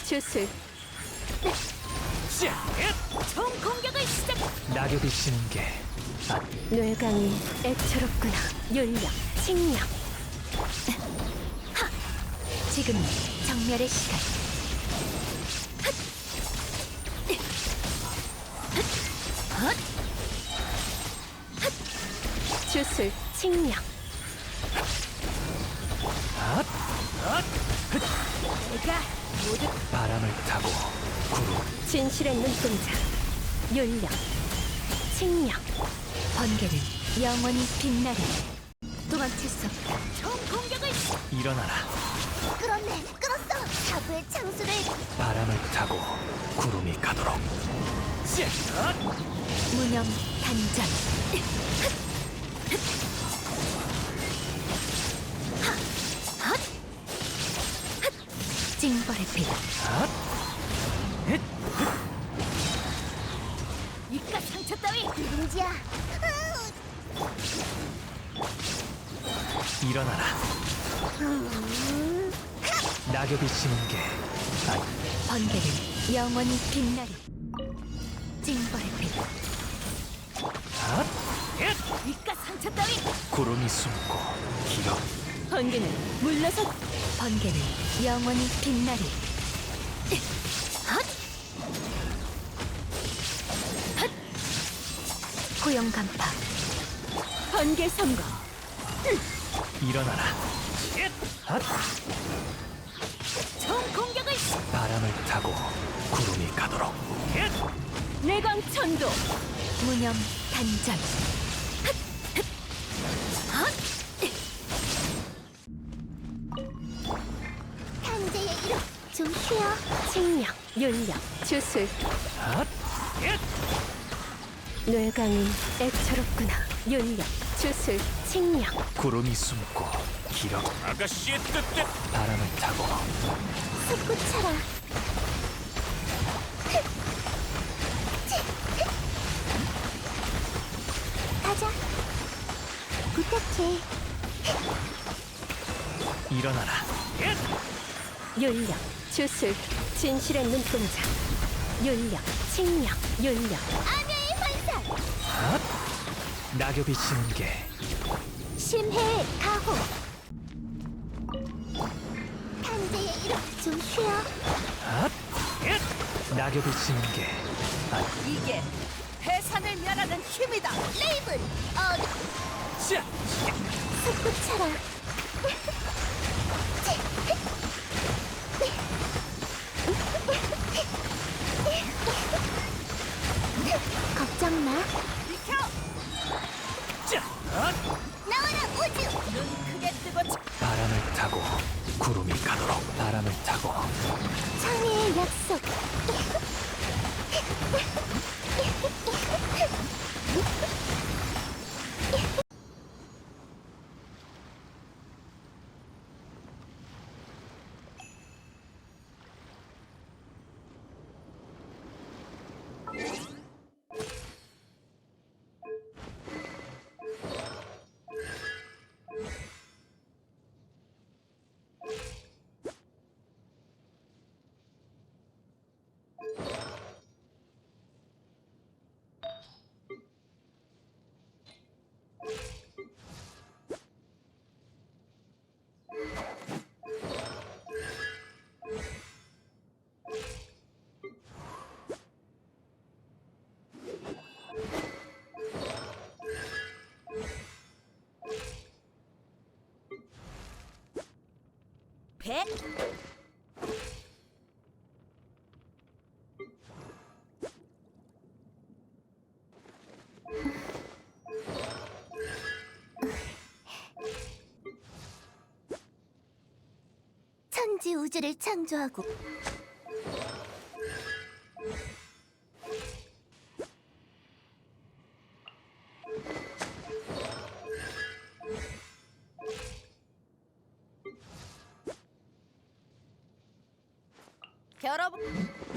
주술. 총 공격을 시작. 낙엽이 지는 게 뇌강이 애처롭구나. 윤력, 칭력. 지금 정멸의 시간. 주술, 칭력. 내가 모두 바람을 타고 구름. 진실의 눈동자. 윤력, 칭력. 번개는 영원히 빛나리. 도망칠 수 없다. 총 공격을 시작. 일어나라. 끌었네, 끌었어. 사부의 창수를 바람을 타고 구름이 가도록. 무념 단전. 징벌의 빛. 입가 상처 따위. 누룽지야. 일어나라. 낙엽이 지는 게 번개는 영원히 빛나리. 징벌의 빛. 입가 상처 따위. 구름이 숨고 길어. 번개는 물러서. 번개는 영원히 빛나리. 고용 간파. 번개 선거. 일어나라. 총 공격을 시작. 바람을 타고 구름이 가도록. 내광 천도. 무념 단전. 탄재의 이름 좀 쉬어. 칭력, 윤력, 주술. 뇌강이 애처롭구나. 윤력, 주술, 칭력. 구름이 숨고 길어. 아가씨의 뜻대로 바람을 타고 솟구쳐라. 가자. 부탁해. 일어나라. 윤력, 주술, 진실의 눈동자. 윤력, 칭력, 윤력. 암야의 환상. 낙엽이 지는 게 심해의 가호. 탄재의 이름 좀 쉬어. 낙엽이 지는 게 이게 해산을 멸하는 힘이다. 레이븐. 솟구쳐라. 걱정 마. 나와라 우주. 눈 크게 뜨고 바람을 타고 구름이 가도록. 바람을 타고 창의의 약속. 배. 천지 우주를 창조하고 여러분.